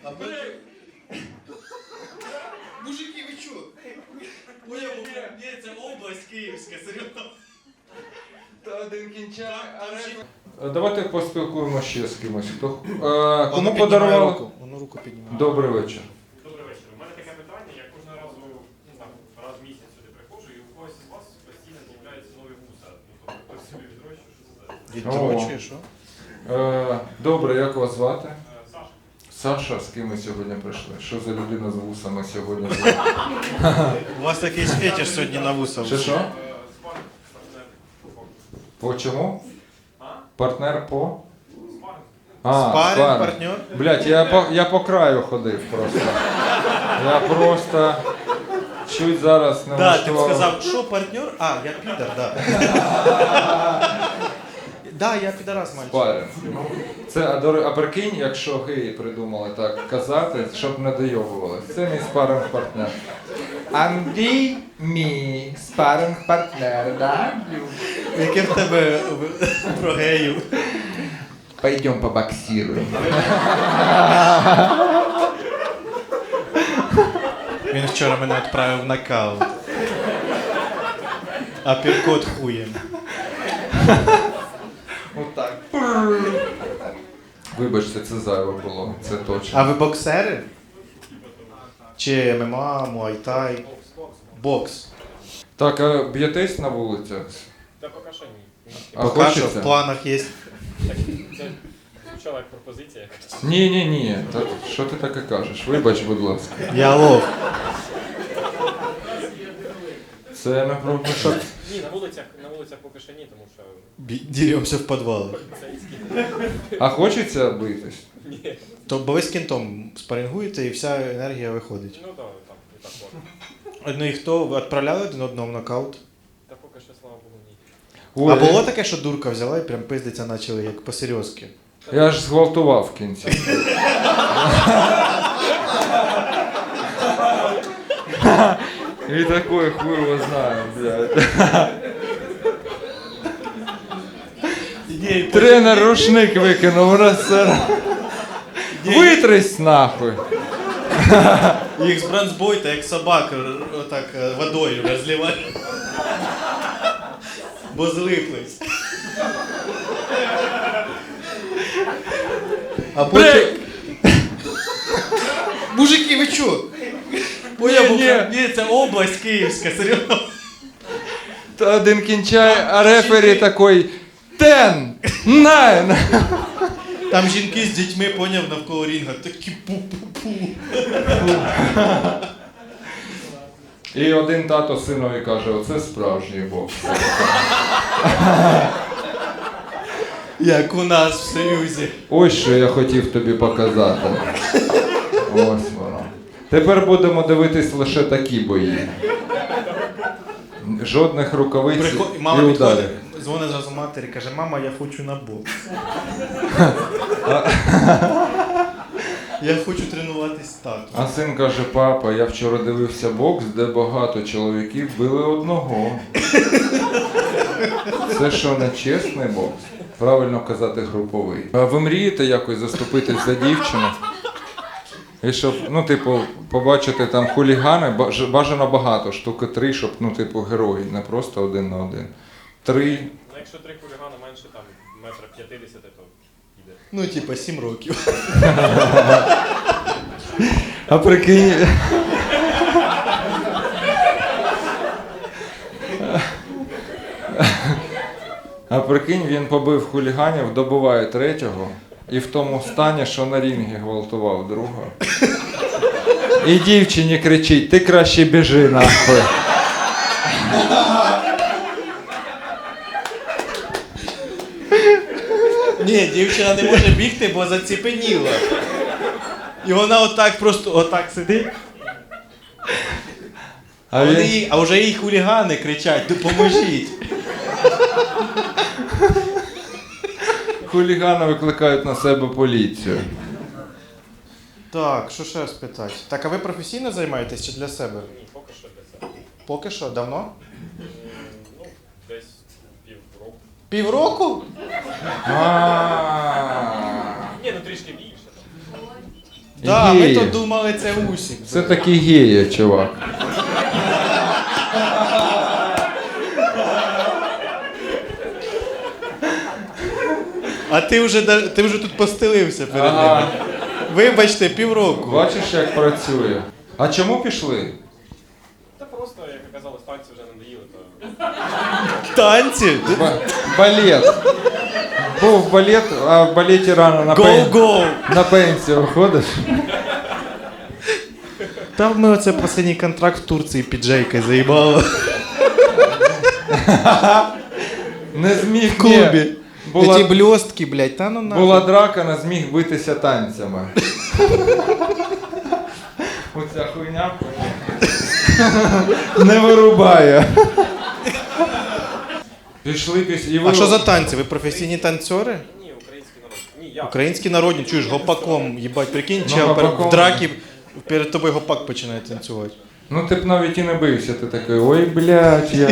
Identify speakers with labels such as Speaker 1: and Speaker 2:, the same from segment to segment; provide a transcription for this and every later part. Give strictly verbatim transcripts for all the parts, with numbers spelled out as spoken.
Speaker 1: А ви... Мужики, ви чо?
Speaker 2: Ні, ні, це область Київська, серйозно.
Speaker 1: Та один кінчає,
Speaker 3: Е, Давайте поспілкуємося ще з кимось. Хто, е,
Speaker 1: Воно
Speaker 3: кому
Speaker 1: піднімає
Speaker 3: подарували?
Speaker 1: руку. Воно руку піднімає.
Speaker 3: Добрий вечір.
Speaker 2: Добрий вечір. У мене таке питання, я кожного разу, ну там, раз в місяць сюди приходжу, і у когось із вас постійно з'являються нові вуса. Ну, тобто, хтось собі відрощує, що це за?
Speaker 1: Віддрочує, що?
Speaker 3: Е, добре, як вас звати?
Speaker 2: Е, Саша.
Speaker 3: Саша, з ким ми сьогодні прийшли? Що за людина з вусами сьогодні?
Speaker 1: У вас якийсь фетиш сьогодні на вуса.
Speaker 3: Що що?
Speaker 2: Е, Спаринг, партнер.
Speaker 3: По чому?
Speaker 2: А?
Speaker 3: Партнер по?
Speaker 2: Спаринг.
Speaker 3: А,
Speaker 1: Спаринг, партнер?
Speaker 3: Блять, я по, я по краю ходив просто. Я просто чуть зараз не
Speaker 1: Да, ти
Speaker 3: влаштував.
Speaker 1: сказав, що партнер? А, я підар, да. Да, я підарас, мальчик.
Speaker 3: Спаринг. Це, а, до ре- а прикинь, якщо геї придумали так казати, щоб не дойовували. Це мій спаринг-партнер. Андрій мій спаринг-партнер, да?
Speaker 1: Яке в тебе в- про геїв?
Speaker 3: Пойдем побоксируем.
Speaker 1: Він вчора мене відправив в нокаут. А піркот хуєм.
Speaker 3: Отак. Вибачте, це зайве було, це точно.
Speaker 1: А ви боксери? Чи ММА, муайтай? Бокс.
Speaker 3: Так, а б'єтесь на вулицях?
Speaker 2: Та поки що ні.
Speaker 3: А
Speaker 1: Поки що
Speaker 3: хочеться?
Speaker 1: в планах є.
Speaker 2: Так, це звучала як пропозиція якась.
Speaker 3: Ні, ні, ні. Та що ти таке кажеш? Вибач, будь ласка.
Speaker 1: Я лов.
Speaker 3: Це не про що.
Speaker 2: Ні, на вулицях, на вулицях поки що ні, тому що
Speaker 1: Діремося в підвалах.
Speaker 2: поліцейські.
Speaker 3: А хочеться битись?
Speaker 2: Ні.
Speaker 1: То бо ви з кінтом спарингуєте і вся енергія виходить.
Speaker 2: Ну так, там, і так можна.
Speaker 1: Ну і хто? Ви відправляли один одного в нокаут?
Speaker 2: Та поки що, слава Богу, ні.
Speaker 1: А
Speaker 3: Ой,
Speaker 1: було таке, що дурка взяла і прям пиздиться почали, як по-серйозки?
Speaker 3: я ж зґвалтував в кінці. І такой хуй його знає, блядь. Тренер рушник викинув, розсер. Витрись нахуй.
Speaker 1: Їх з бронзбойта, як собак, р- отак е, водою розливали. Бо злиплись. А потім... Мужики, ви чо?
Speaker 3: Ні, ні.
Speaker 1: Ні, це область Київська, серйозно.
Speaker 3: Та один кінчає, а рефері такий ten, nine.
Speaker 1: Там жінки з дітьми, поняв, навколо рінга, такі пу-пу-пу.
Speaker 3: І один тато синові каже, оце справжній бокс.
Speaker 1: Як у нас в Союзі.
Speaker 3: Ось що я хотів тобі показати. Ось воно. Тепер будемо дивитись лише такі бої. Жодних рукавиць
Speaker 1: Приход...
Speaker 3: і
Speaker 1: Мама
Speaker 3: ударів.
Speaker 1: підходить, дзвонить зразу матері, каже, мама, я хочу на бокс. Я хочу тренуватись тату.
Speaker 3: А син каже, папа, я вчора дивився бокс, де багато чоловіків били одного. Це що, не чесний бокс? Правильно казати груповий. А ви мрієте якось заступитись за дівчину? І щоб, ну, типу, побачити там хулігани, баж- бажано багато, штуки три, щоб, ну, типу, герої, не просто один на один. Три.
Speaker 2: Ну якщо три хулігани менше там метра п'ятдесят, то йде.
Speaker 1: Ну, типа, сім років.
Speaker 3: А прикинь. А прикинь, він побив хуліганів, добиває третього і в тому стані, що на рінгі гвалтував друга. І дівчині кричить, ти краще біжи нахуй.
Speaker 1: Ні, дівчина не може бігти, бо заціпеніла. І вона отак просто отак сидить.
Speaker 3: А
Speaker 1: А, вони
Speaker 3: він,
Speaker 1: їй, а вже їй хулігани кричать, допоможіть.
Speaker 3: хулігани викликають на себе поліцію.
Speaker 1: Так, що ще спитати? Так, а ви професійно займаєтесь чи для себе?
Speaker 2: Ні, поки що для себе.
Speaker 1: Поки що, давно?
Speaker 2: М, Ну, десь півроку.
Speaker 1: Півроку?
Speaker 3: А.
Speaker 2: Ні, ну трішки більше. Там.
Speaker 1: Да, ми
Speaker 3: Геї.
Speaker 1: то думали, це Усік.
Speaker 3: Це такі геї, чувак.
Speaker 1: А ти вже, да- ти вже тут постелився перед
Speaker 3: Ага.
Speaker 1: ними. Вибачте, півроку.
Speaker 3: Бачиш, як працює. А чому пішли?
Speaker 2: Та просто, як оказалось, танці вже надоїли, то
Speaker 1: Танці?
Speaker 3: Ба- балет. Був балет, а в балеті рано на, пен...
Speaker 1: Гоу-гоу!
Speaker 3: на пенсію виходиш.
Speaker 1: Там ми оце останній контракт в Турції під Джейка заїбало.
Speaker 3: Не зміг
Speaker 1: В клубі.
Speaker 3: ні. Була,
Speaker 1: Ті блістки, блядь, та ну нахуй.
Speaker 3: була драка, не зміг битися танцями. Оця хуйня не вирубає. Пішли після. І ви...
Speaker 1: А що за танці? Ви професійні танцори?
Speaker 2: ні, український народ. Ні, я.
Speaker 1: Українські народні, чуєш, гопаком, їбать, прикинь,
Speaker 3: Ну,
Speaker 1: чи
Speaker 3: гопаком.
Speaker 1: в дракі перед тобою гопак починає танцювати.
Speaker 3: Ну ти б навіть і не бився, ти такий, ой, блядь, я.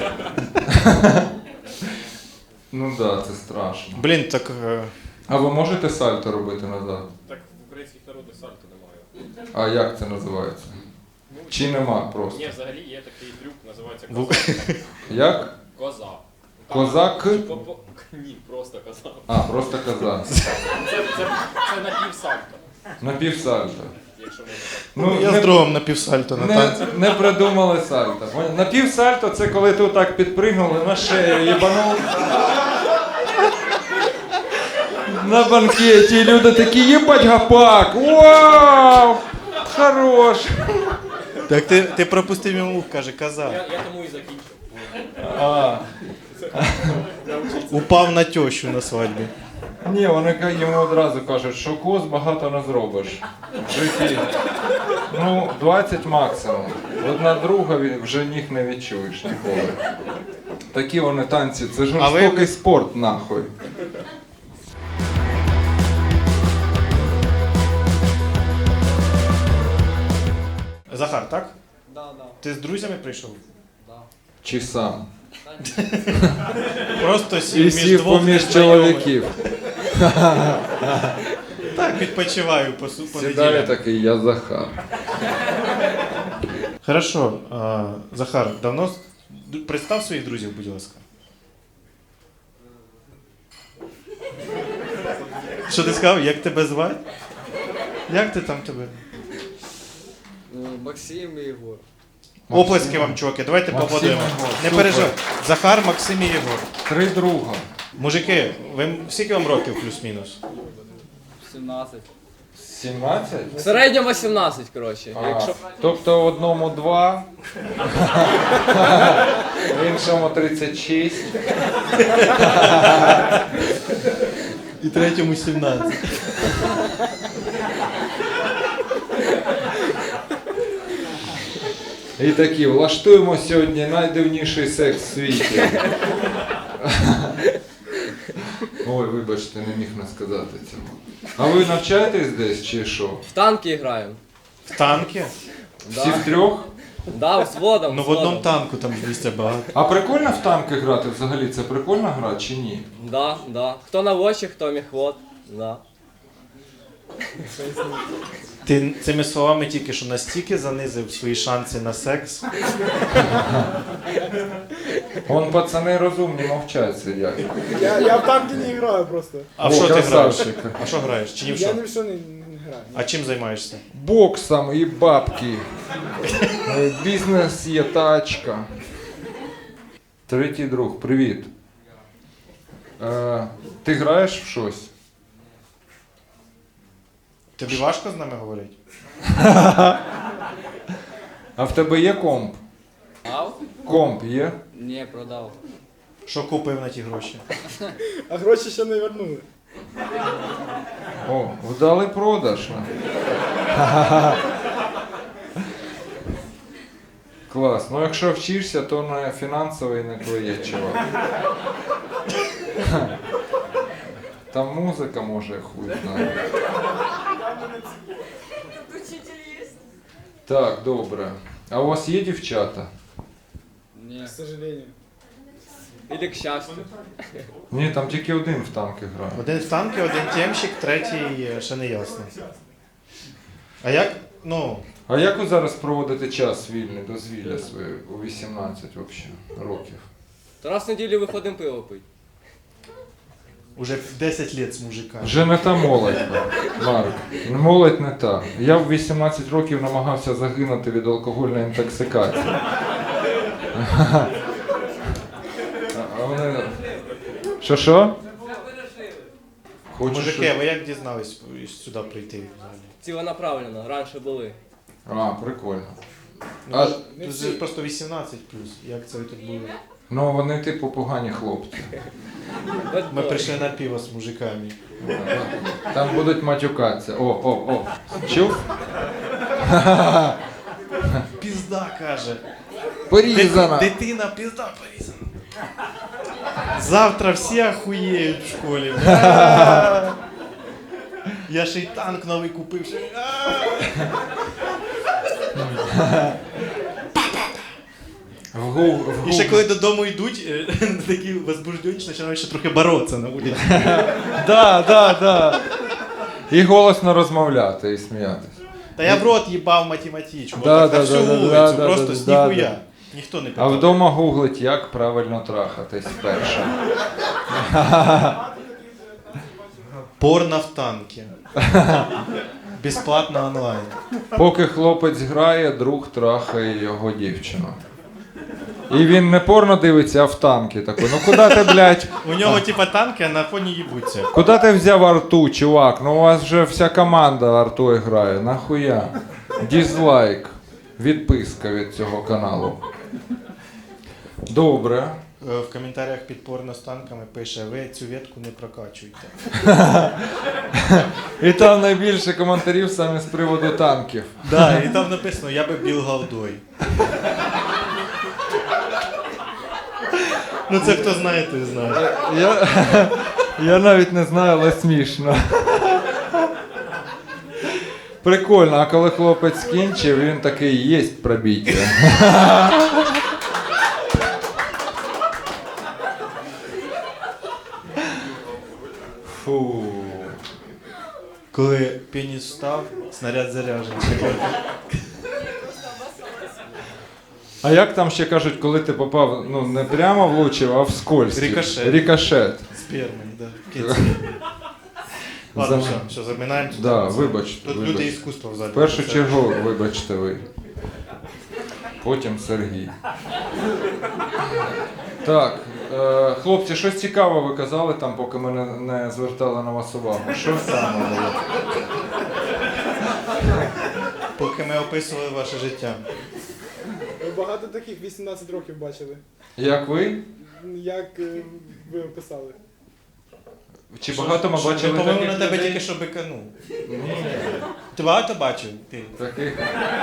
Speaker 3: Ну да, це страшно.
Speaker 1: Блін, так. е,
Speaker 3: А ви можете сальто робити назад?
Speaker 2: Так в українських народних сальто немає.
Speaker 3: А як це називається? Чи нема просто?
Speaker 2: Ні, взагалі є такий трюк, називається
Speaker 1: В-
Speaker 2: козак.
Speaker 3: Як?
Speaker 2: Коза.
Speaker 3: Козак?
Speaker 2: По- по- Ні, просто коза.
Speaker 3: А, просто козак.
Speaker 2: Це, це, це напівсальто,
Speaker 3: Напівсальто.
Speaker 2: якщо можна так.
Speaker 3: Ну,
Speaker 1: Я
Speaker 3: не,
Speaker 1: з другом на півсальто на танці.
Speaker 3: не, не придумали сальто. Напівсальто це коли ти отак підпригнули на шею, їбанув. На банкеті і люди такі, їбать гапак! Вау! Хорош!
Speaker 1: Так ти, ти пропустив йому, каже, коза.
Speaker 2: Я, я тому і закінчив.
Speaker 1: А. Упав на тещу на свадьбі.
Speaker 3: Ні, вони ка- йому одразу кажуть, що коз багато не зробиш в житті. Ну, двадцять максимум. Одна друга ві- вже ніг не відчуєш ніколи. Такі вони танці, це
Speaker 1: А ви-
Speaker 3: жорстокий спорт, нахуй.
Speaker 1: Захар, так?
Speaker 4: Да, да,
Speaker 1: Ти з друзями прийшов?
Speaker 4: да.
Speaker 3: Чи сам.
Speaker 1: Просто сів
Speaker 3: І
Speaker 1: між
Speaker 3: сів
Speaker 1: двох
Speaker 3: поміж
Speaker 1: незнайомих.
Speaker 3: чоловіків.
Speaker 1: Так, відпочиваю по, су- по
Speaker 3: Сідає
Speaker 1: неділям.
Speaker 3: такий, я Захар.
Speaker 1: Хорошо, а, Захар, давно с- д- представ своїх друзів, будь ласка. Що ти сказав? Як тебе звати? Як ти там тебе?
Speaker 4: Ну, Максим и Егор.
Speaker 1: Оплески вам, чуваки, давайте
Speaker 3: Максим
Speaker 1: поаплодуємо.
Speaker 3: і Єгор,
Speaker 1: Не
Speaker 3: супер.
Speaker 1: переживай. Захар, Максим і Єгор.
Speaker 3: Три друга.
Speaker 1: Мужики, ви скільки вам років плюс-мінус?
Speaker 4: сімнадцять.
Speaker 3: сімнадцять?
Speaker 4: В середньому сімнадцять, коротше.
Speaker 3: А,
Speaker 4: Якщо...
Speaker 3: тобто одному два, іншому тридцять шість.
Speaker 1: І третьому сімнадцять.
Speaker 3: І такі, влаштуємо сьогодні найдивніший секс в світі. Ой, вибачте, не міг не сказати цього. А ви навчаєтесь десь чи що?
Speaker 4: В танки граємо.
Speaker 1: В танки?
Speaker 3: Всі втрьох?
Speaker 4: Да, взводом.
Speaker 1: Ну в одному танку там місця багато.
Speaker 3: А прикольно в танки грати взагалі? Це прикольна гра чи ні?
Speaker 4: Да, да. Хто наводчик, хто міхвод. Да.
Speaker 1: Ти цими словами тільки що настільки занизив свої шанси на секс.
Speaker 3: Вон пацани розумні мовчать сидять.
Speaker 5: Я, я в танки не играю просто.
Speaker 1: А в
Speaker 3: О,
Speaker 1: що ти граєш?
Speaker 3: красавчик.
Speaker 1: А що граєш? Чи ні в
Speaker 5: Я
Speaker 1: що?
Speaker 5: ни в что не, не играю.
Speaker 1: А чим займаєшся?
Speaker 3: Боксом і бабки. Е, Бізнес є тачка. Третій друг, привіт. Е, ти граєш в щось?
Speaker 1: Тобі важко з нами говорити?
Speaker 3: А в тебе є комп?
Speaker 4: Ав?
Speaker 3: Комп є?
Speaker 4: Ні, продав.
Speaker 1: Що купив на ті гроші?
Speaker 5: А гроші ще не вернули.
Speaker 3: О, вдалий продаж. Клас. Ну якщо вчишся, то на фінансовий не твоє, чувак. Там музика може хуй знає. Так, добре. А у вас є дівчата?
Speaker 4: Ні.
Speaker 5: К сожалению.
Speaker 4: Ілі к щастю.
Speaker 3: Ні, там тільки один в танки грає.
Speaker 1: Один в танки, один тємщик, третій е, ще не ясно. А як, ну,
Speaker 3: А як ви зараз проводите час вільний, дозвілля своє у вісімнадцять взагалі років?
Speaker 4: То раз в неділю виходимо пиво пить.
Speaker 1: уже десять лет з мужиками.
Speaker 3: Вже не та молодь, Марк. Молодь не та. Я в вісімнадцять років намагався загинути від алкогольної інтоксикації. А вони... Що що? Хочеш?
Speaker 1: Мужики, ви як дізнались сюди прийти взагалі?
Speaker 4: Ціленаправленно, раніше були.
Speaker 3: А, прикольно.
Speaker 1: Ну,
Speaker 3: А-
Speaker 1: тут тут же просто вісімнадцять плюс. Як це ви тут були?
Speaker 3: Ну вони типу погані хлопці.
Speaker 1: Ми прийшли на пиво з мужиками.
Speaker 3: Там будуть матюкатися. О, о, о. Чув?
Speaker 1: Пізда, каже.
Speaker 3: Порізана.
Speaker 1: Дити- Дитина, пізда порізана. Завтра всі охуєють в школі. А! Я ще й танк новий купив. ще й- А!
Speaker 3: В гу... в
Speaker 1: І ще
Speaker 3: гу-
Speaker 1: коли додому йдуть, е, такі возбуждені, починають ще трохи боротися на вулиці.
Speaker 3: Да, да, да. І голосно розмовляти і сміятися.
Speaker 1: Та я в рот їбав математичку.
Speaker 3: Да,
Speaker 1: отак, на
Speaker 3: да,
Speaker 1: всю
Speaker 3: да, да,
Speaker 1: вулицю,
Speaker 3: да, да,
Speaker 1: просто
Speaker 3: да,
Speaker 1: з
Speaker 3: да,
Speaker 1: ніхуя.
Speaker 3: да.
Speaker 1: Ніхто не
Speaker 3: А
Speaker 1: питав.
Speaker 3: вдома гуглить, як правильно трахатись перше.
Speaker 1: Порно в танки. Безплатно онлайн.
Speaker 3: Поки хлопець грає, друг трахає його дівчину. І він не порно дивиться, а в танки такий. Ну куди ти, блядь,
Speaker 1: У нього типа танки, а на фоні їбуться.
Speaker 3: куди ти взяв арту, чувак? Ну у вас вже вся команда артою грає. Нахуя? Дізлайк. Відписка від цього каналу. Добре.
Speaker 1: Е, В коментарях під порно з танками пише: ви цю ветку не прокачуйте.
Speaker 3: І там найбільше коментарів саме з приводу танків.
Speaker 1: Да, і там написано: я би біл галдой. Ну це хто знає, той знає.
Speaker 3: Я, я навіть не знаю, але смішно. Прикольно, а коли хлопець скінчив, він такий, єсть пробіття. Фу.
Speaker 1: Коли пеніс встав, снаряд заряджений.
Speaker 3: А як там ще кажуть, коли ти попав, ну не прямо влучив, а вскользь?
Speaker 1: Рикошет.
Speaker 3: Рикошет.
Speaker 1: Спермою, да. в кінці. Ладно,
Speaker 3: За-
Speaker 1: все, все, заминаємо. тут.
Speaker 3: Да, вибачте,
Speaker 1: Тут
Speaker 3: вибачте.
Speaker 1: люди іскусства в залі.
Speaker 3: В першу
Speaker 1: Це-
Speaker 3: чергу, вибачте ви. Потім Сергій. Так, е, хлопці, щось цікаве ви казали там, поки ми не, не звертали на вас увагу. Що саме було?
Speaker 1: Поки ми описували ваше життя.
Speaker 5: Ви багато таких вісімнадцять років бачили.
Speaker 3: Як ви?
Speaker 5: Як е, ви описали?
Speaker 3: Чи багато ми
Speaker 1: Що,
Speaker 3: бачили
Speaker 1: я, по-моєму, на
Speaker 3: таких
Speaker 1: тебе
Speaker 3: людей?
Speaker 1: тільки що биканув. Ти багато бачив? Ти.
Speaker 3: Таких?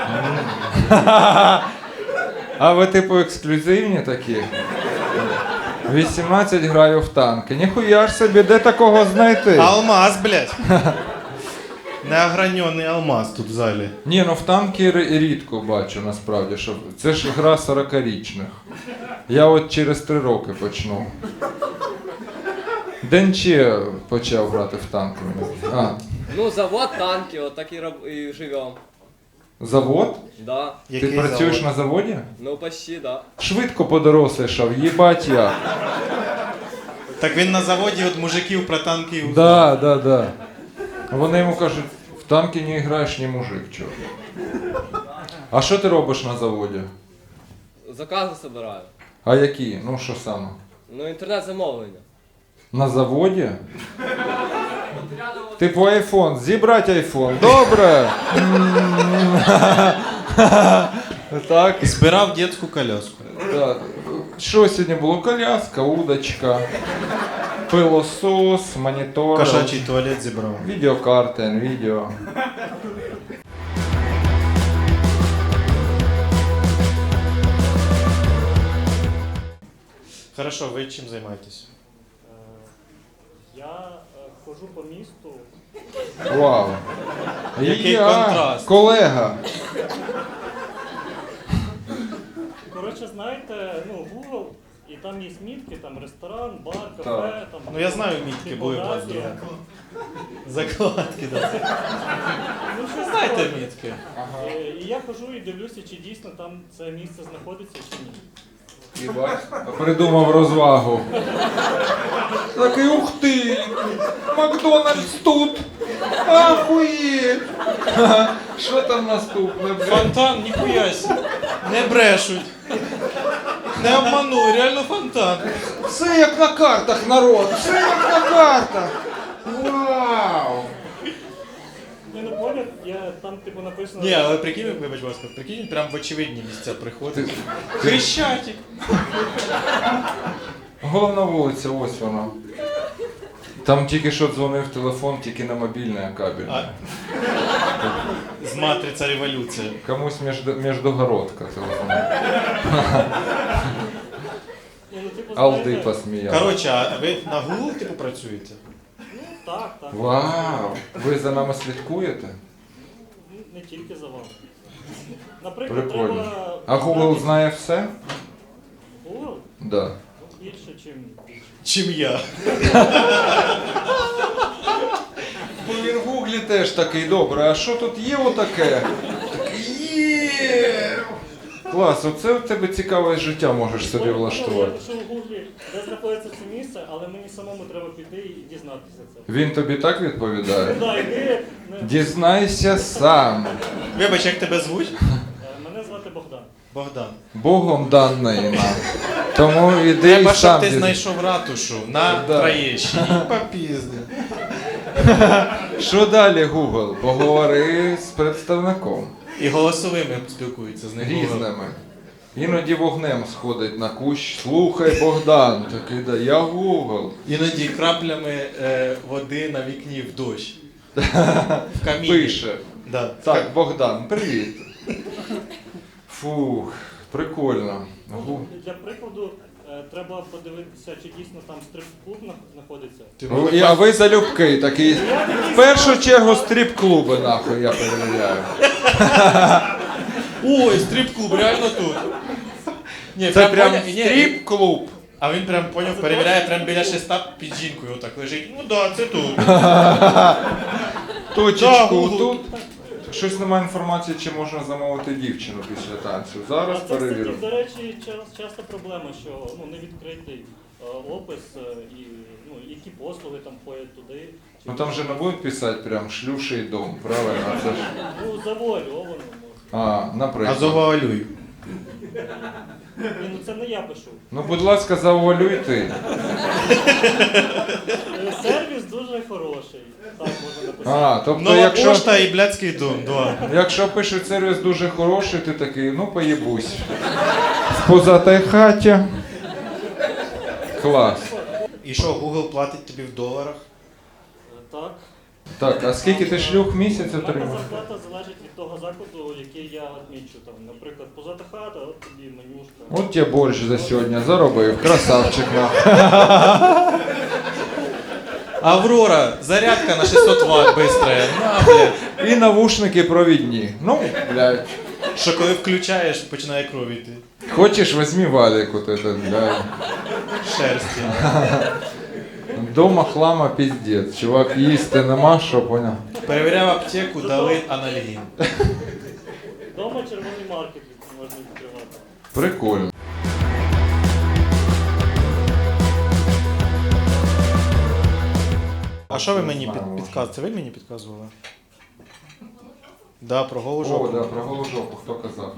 Speaker 3: А ви типу ексклюзивні такі? вісімнадцять граю в танки. Ніхуя ж собі, де такого знайти?
Speaker 1: Алмаз, блядь. Неогранений алмаз тут в залі.
Speaker 3: Ні, ну в танки ри- рідко бачу насправді, що це ж гра сорокарічних. Я от через три роки почну. Денче почав грати в танки. А,
Speaker 4: Ну, завод танки, от так і, роб... і живем.
Speaker 3: завод?
Speaker 4: Да.
Speaker 3: Ти працюєш
Speaker 1: завод?
Speaker 3: на заводі?
Speaker 4: Ну, почти, да.
Speaker 3: Швидко подорослішав, їбать я.
Speaker 1: Так він на заводі от мужиків про танки і узнав.
Speaker 3: Да, да, да. Вони йому кажуть, в танки не граєш, ні мужик, чого. А що ти робиш на заводі?
Speaker 4: Закази собираю.
Speaker 3: А які? Ну що саме?
Speaker 4: Ну, інтернет-замовлення.
Speaker 3: На заводі? Типу айфон, зібрати айфон. Добре. Так.
Speaker 1: Збирав дитячу коляску.
Speaker 3: Так. Що сьогодні було? Коляска, удочка, пилосос, монітор,
Speaker 1: Кошачий туалет зібрав.
Speaker 3: відеокарта, NVIDIA.
Speaker 1: Хорошо, ви чим займаєтесь?
Speaker 6: Я е, ходжу по місту.
Speaker 3: Вау.
Speaker 1: Який
Speaker 3: Я,
Speaker 1: контраст.
Speaker 3: Колега.
Speaker 6: Коротше, знаєте, ну, Google, і там є мітки, там ресторан, бар, кафе,
Speaker 3: Так.
Speaker 6: там.
Speaker 1: Ну я знаю, мітки були у вас.
Speaker 6: типографія.
Speaker 1: Закладки, да.
Speaker 6: Ну місце
Speaker 1: Знаєте
Speaker 6: знаходиться.
Speaker 1: мітки?
Speaker 6: Е, І я хожу і дивлюся, чи дійсно там це місце знаходиться, чи ні.
Speaker 3: І бач, придумав розвагу. Такий, ух ти! Макдональдс тут! Ахуєть! Що там наступне, блядь?
Speaker 1: Фонтан, ніхуя сі. Не брешуть. Не обманули, реально фонтан.
Speaker 3: Все як на картах, народ! Все як на картах! Вау!
Speaker 6: Я не поняв, я там типу написано.
Speaker 1: Ні, але прикинь, вибач, будь ласка, прикинь, прям в очевидні місця приходить.
Speaker 3: Ти-
Speaker 1: Хрещатик.
Speaker 3: Головна вулиця, ось вона. Там тільки що дзвонив телефон, тільки на мобільний кабель.
Speaker 1: А... З матриця революція.
Speaker 3: Комусь між- міждогородка телефон.
Speaker 6: Ні, ну, типу,
Speaker 3: Алди
Speaker 6: знаєте,
Speaker 3: посміяв.
Speaker 1: Коротше, а ви на Google типу працюєте?
Speaker 6: Так, так.
Speaker 3: Вау! Ви за нами слідкуєте?
Speaker 6: Ну, Не тільки за вами. Наприклад,
Speaker 3: Прикольно.
Speaker 6: треба.
Speaker 3: А Google знає все?
Speaker 6: Google?
Speaker 3: Да.
Speaker 6: Ну, більше, чим більше.
Speaker 1: Чим я.
Speaker 3: Бо він в Гуглі теж такий, добре, а що тут є отаке? Такий, є! Клас, оце в тебе цікаве життя можеш собі
Speaker 6: Я
Speaker 3: влаштувати.
Speaker 6: пишу в Гуглі, де знаходиться це місце, але мені самому треба піти і дізнатися це.
Speaker 3: Він тобі так відповідає?
Speaker 6: Да, іди, не-
Speaker 3: Дізнайся сам.
Speaker 1: Вибач, як тебе звуть?
Speaker 6: Е, Мене звати Богдан.
Speaker 1: Богдан.
Speaker 3: Богом даної нам. Тому іди
Speaker 1: Треба,
Speaker 3: і
Speaker 1: щоб
Speaker 3: сам
Speaker 1: ти
Speaker 3: дізна-
Speaker 1: знайшов ратушу на
Speaker 3: Да.
Speaker 1: Троєщині. Попізди.
Speaker 3: Що далі, Google? Поговори з представником.
Speaker 1: І голосовими спілкуються з ним.
Speaker 3: Різними. Іноді вогнем сходить на кущ. Слухай, Богдан. Такий, да, я Google.
Speaker 1: Іноді краплями е, води на вікні в дощ. В каміні.
Speaker 3: Пише.
Speaker 1: Да.
Speaker 3: Так, Богдан, привіт. Фух, прикольно. Гу-
Speaker 6: Для прикладу, е, треба подивитися, чи дійсно там стрип-клуб нах- знаходиться.
Speaker 1: Ти
Speaker 3: Ну,
Speaker 1: можеш
Speaker 3: і- А ви залюбки такі. В першу чергу стріп-клуби, нахуй, я перевіряю.
Speaker 1: Ой, стрип-клуб, реально тут. Ні,
Speaker 3: Це прям
Speaker 1: поня- ні,
Speaker 3: стріп-клуб.
Speaker 1: А він прям поняв, перевіряє прям біля шеста під жінкою отак лежить. Ну да, це тут.
Speaker 3: Точечку
Speaker 1: Google.
Speaker 3: тут. Щось немає інформації, чи можна замовити дівчину після танцю. Зараз
Speaker 6: А це,
Speaker 3: перевірю.
Speaker 6: кстати, до речі, ча- часто проблема, що ну, не відкритий е, опис е, і ну, які послуги там ходять туди. Чи-
Speaker 3: Ну там же не будуть писати прям шлюший дом, правильно? Це ж...
Speaker 6: Ну, завуальовано може.
Speaker 3: А,
Speaker 1: А
Speaker 3: наприклад.
Speaker 1: завуалюй.
Speaker 6: Ні, ну це не я пишу.
Speaker 3: Ну, будь ласка, завуалюй ти.
Speaker 6: Е, Сервіс дуже хороший. Так можна написати.
Speaker 3: А, тобто,
Speaker 1: Нова
Speaker 3: якщо,
Speaker 1: пошта і блядський дом, два.
Speaker 3: якщо пишуть сервіс дуже хороший, ти такий, ну поїбусь. В позатій хаті. Клас.
Speaker 1: І що, Google платить тобі в доларах?
Speaker 6: Е, Так.
Speaker 3: Так, а скільки ти шлюх в місяць
Speaker 6: У мене
Speaker 3: отримав?
Speaker 6: зарплата залежить від того закладу, який я відмічу. Там, наприклад, позата хата, от тобі менюшка.
Speaker 3: От тебе борщ за сьогодні заробив, красавчик нахуй.
Speaker 1: Аврора, зарядка на шістсот ватт быстрая. На, блядь.
Speaker 3: І навушники провідні. Ну, блядь.
Speaker 1: Що коли включаєш, починає кров йти.
Speaker 3: Хочеш, візьми валік от этот, блядь.
Speaker 1: Шерсті.
Speaker 3: Дома хлама піздець. Чувак, їсти нема, що поняв?
Speaker 1: Перевіряв аптеку, дали анальгін.
Speaker 6: Дома червоний маркет можна відкривати.
Speaker 3: Прикольно.
Speaker 1: А що ви мені під, підказували? Це ви мені підказували? Да, про голу
Speaker 3: О,
Speaker 1: жопу.
Speaker 3: да, про голу жопу, хто казав?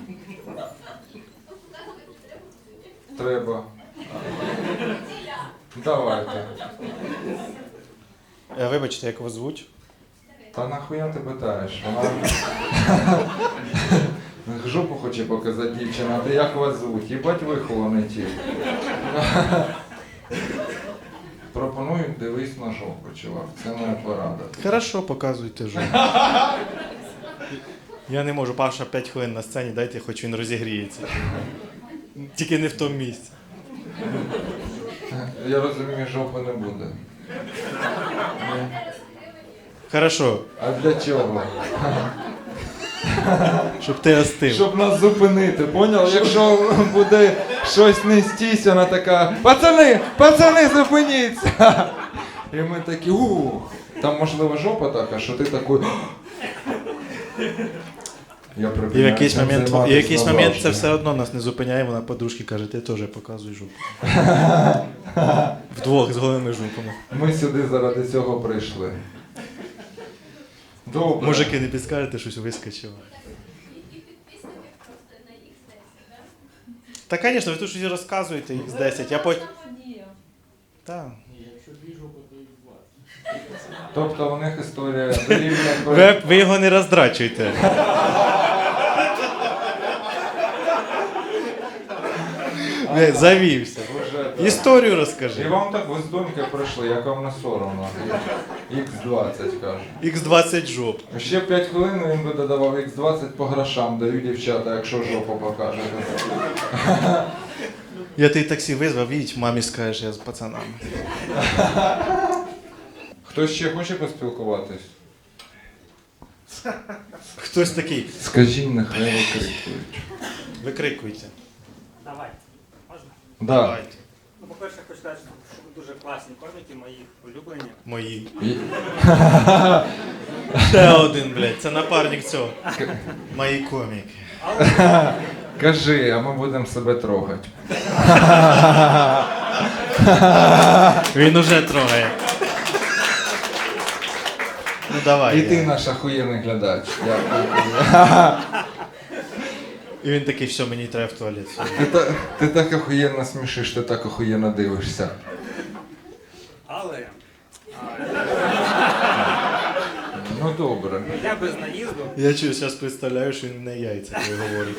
Speaker 3: Треба. Давайте.
Speaker 1: Е, Вибачте, як вас звуть?
Speaker 3: Та нахуя ти питаєш? Вона жопу хоче показати дівчина, а ти як вас звуть? Їбать вихований ті. Пропоную дивись на жопу, чувак. Це моя порада.
Speaker 1: Хорошо, показуйте жопу. Я не можу, Паша п'ять хвилин на сцені, дайте, хоч він розігріється. Тільки не в тому місці.
Speaker 3: Я розумію, жопи не буде.
Speaker 1: Хорошо,
Speaker 3: А для чого?
Speaker 1: щоб ти остив.
Speaker 3: Щоб нас зупинити, поняв? Якщо буде щось нестись, вона така: пацани, пацани, зупиніться! І ми такі, ух. Там можливо жопа така, що ти такий. Я
Speaker 1: І в
Speaker 3: припиняю
Speaker 1: якийсь
Speaker 3: цим
Speaker 1: момент, і в
Speaker 3: займатися
Speaker 1: якийсь момент це
Speaker 3: назавжди.
Speaker 1: все одно нас не зупиняє, вона подружки каже, ти теж показуй жопу. Вдвох з голими жопами.
Speaker 3: Ми сюди заради цього прийшли. Добре.
Speaker 1: Мужики, не підскажете, щось вискочило.
Speaker 7: І підписники просто на ікс десять,
Speaker 1: Та, звісно, ви тут щось розказуєте, ікс десять, я
Speaker 7: так?
Speaker 1: потім...
Speaker 7: Подія.
Speaker 1: Так.
Speaker 3: Тобто у них історія дорівнює...
Speaker 1: Ви, ви його не роздрачуйте. Ви завівся.
Speaker 3: Вже, да.
Speaker 1: Історію
Speaker 3: І
Speaker 1: розкажи.
Speaker 3: вам так ви з доньки прийшли, як вам не соромно. ікс двадцять каже.
Speaker 1: ікс двадцять жоп.
Speaker 3: Ще п'ять хвилин він би додавав ікс двадцять по грошам, даю дівчата, якщо жопу покажете.
Speaker 1: Я ти таксі визвав, їдь, мамі скажеш, я з пацанами.
Speaker 3: Хтось ще хоче поспілкуватись?
Speaker 1: Хтось такий,
Speaker 3: Скажіть, нехай викрикують.
Speaker 1: викрикуйте.
Speaker 6: Давай. Можна?
Speaker 3: Да.
Speaker 1: Давайте.
Speaker 6: Ну, по-перше, хочу сказати, що ви дуже класні коміки, мої улюблені.
Speaker 1: Мої.
Speaker 3: І-
Speaker 1: Ще один, блядь, це напарник цього. Мої коміки.
Speaker 3: Кажи, а ми будемо себе трогати.
Speaker 1: Він уже трогає. Ну давай.
Speaker 3: І ти
Speaker 1: я.
Speaker 3: наш охуєнний глядач. Дякую.
Speaker 1: І він такий, все, мені треба в туалет.
Speaker 3: Ти, та- ти так охуєнно смішиш, ти так охуєнно дивишся.
Speaker 6: Але
Speaker 3: Ну добре.
Speaker 6: я без наїзду,
Speaker 1: Я чую, зараз представляю, що він не яйця, коли говорить.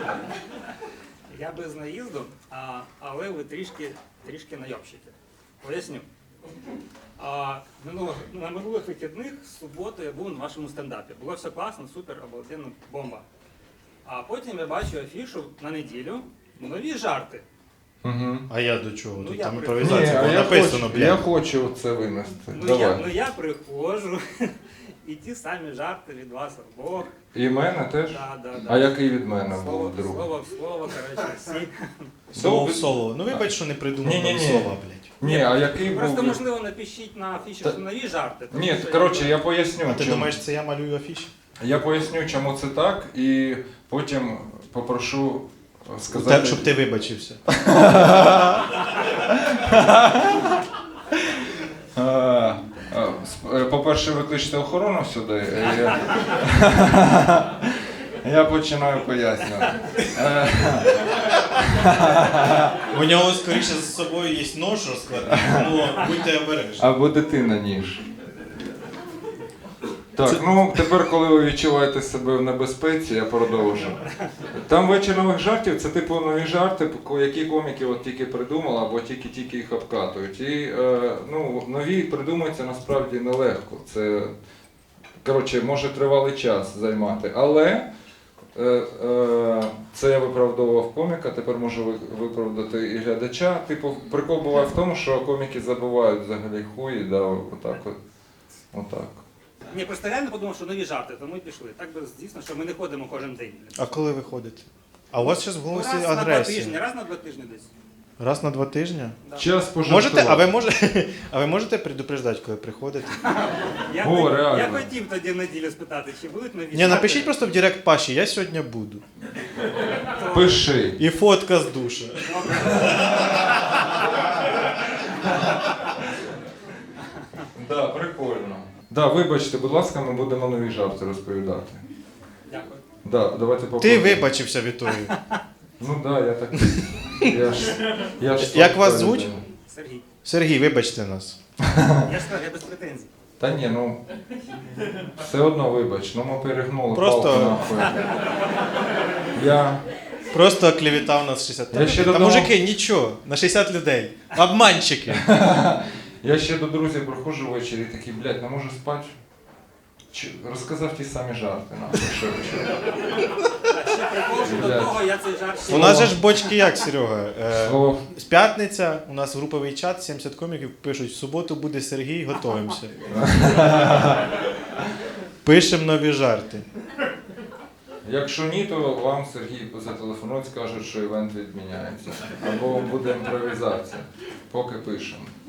Speaker 6: я без наїзду, а, але ви трішки, трішки найобщите. Поясню. А, минулого, на минулих вихідних в суботу я був на вашому стендапі. Було все класно, супер, обалденно, бомба. А потім я бачу афішу на неділю, нові жарти.
Speaker 3: Угу.
Speaker 1: А я до чого?
Speaker 6: Ну,
Speaker 1: Тут
Speaker 6: я
Speaker 1: там
Speaker 6: при-
Speaker 1: імпровізація
Speaker 3: а
Speaker 1: було
Speaker 3: я
Speaker 1: написано,
Speaker 3: хочу, я
Speaker 1: блядь.
Speaker 3: хочу це винести.
Speaker 6: Ну
Speaker 3: Давай.
Speaker 6: я, ну я приходжу, і ті самі жарти від вас обох.
Speaker 3: І мене теж?
Speaker 6: Да, да, да.
Speaker 3: А який від мене
Speaker 6: Слово
Speaker 3: був
Speaker 6: в
Speaker 3: друг?
Speaker 6: слово, в слово, коротше, всі.
Speaker 1: Слово в слово. Ну вибач, що не придумав
Speaker 3: Ні-ні-ні.
Speaker 1: нові слова, блядь.
Speaker 3: Ні, а який був...
Speaker 6: Просто,
Speaker 3: від-
Speaker 6: можливо, напишіть на афіші
Speaker 3: Та-
Speaker 6: що нові жарти. тому
Speaker 3: Ні,
Speaker 6: що-
Speaker 3: коротше, я поясню.
Speaker 1: А ти
Speaker 3: чому.
Speaker 1: думаєш, це я малюю афіші?
Speaker 3: Я поясню, чому це так, і потім попрошу
Speaker 1: Так,
Speaker 3: сказати...
Speaker 1: щоб ти вибачився.
Speaker 3: А, а, сп- е, По-перше, викличте охорону сюди. е, Я, я починаю пояснювати. Е,
Speaker 1: У нього, скоріше, з собою є нож розкладний, тому будьте обережні.
Speaker 3: Або дитина ніж. Так, ну тепер, коли ви відчуваєте себе в небезпеці, я продовжу. Там вечір нових жартів це типу нові жарти, ко- які коміки от тільки придумали або тільки-тільки їх обкатують. І е, ну, нові придумуються насправді нелегко. Це коротше, може тривалий час займати. Але е, е, це я виправдовував коміка, тепер можу ви- виправдати і глядача. Типу, прикол буває в тому, що коміки забувають взагалі хуї, да, отак от. Отак.
Speaker 6: Ні, просто реально подумав, що нові жарти, тому і пішли. Так би дійсно, що ми не ходимо кожен день.
Speaker 1: А коли ви ходите? А у вас зараз в
Speaker 6: Ну,
Speaker 1: голосі
Speaker 6: раз на два тижні,
Speaker 1: агресія.
Speaker 6: раз на два тижні десь.
Speaker 1: Раз на два тижні?
Speaker 6: Да.
Speaker 3: Час пожартувати.
Speaker 1: Можете, а ви можете, а ви можете предупреждати, коли приходите?
Speaker 6: Я,
Speaker 3: О,
Speaker 6: хот-
Speaker 3: реально.
Speaker 6: я хотів тоді в неділю спитати, чи будуть нові
Speaker 1: Ні,
Speaker 6: жарти.
Speaker 1: напишіть просто в директ Паші, я сьогодні буду.
Speaker 3: Пиши.
Speaker 1: І фотка з душа.
Speaker 3: Да, прикольно. Да, вибачте, будь ласка, ми будемо нові жарти розповідати.
Speaker 6: Дякую.
Speaker 3: Да, давайте
Speaker 1: Ти
Speaker 3: попробуємо.
Speaker 1: вибачився Вітою.
Speaker 3: Ну да, я так. Я ж, я ж
Speaker 1: Як вас
Speaker 3: слабка
Speaker 1: звуть?
Speaker 3: людина.
Speaker 6: Сергій.
Speaker 1: Сергій, вибачте нас.
Speaker 6: Я ж сказав, я без претензій.
Speaker 3: Та ні, ну все одно вибач, ну ми перегнули
Speaker 1: Просто-
Speaker 3: палку нахуй. Я.
Speaker 1: Просто клевітав нас шістдесят.
Speaker 3: Я ще
Speaker 1: Та
Speaker 3: додому-
Speaker 1: мужики, нічого, на шістдесят людей. Обманщики.
Speaker 3: Я ще до друзів приходжу ввечері і такий, блядь, не можу спати. Чи- Розказав ті самі жарти, нахуй, що, що.
Speaker 6: А ще прикол, що до
Speaker 3: Блядь.
Speaker 6: того я цей жарт ще...
Speaker 1: У нас же ж бочки як, Серега? Е,
Speaker 3: Слово.
Speaker 1: з п'ятниця у нас груповий чат, сімдесят коміків пишуть, в суботу буде Сергій, готуємося. Пишемо нові жарти.
Speaker 3: Якщо ні, то вам Сергій зателефонують, скажуть, що івент відміняється. Або буде імпровізація. Поки пишемо.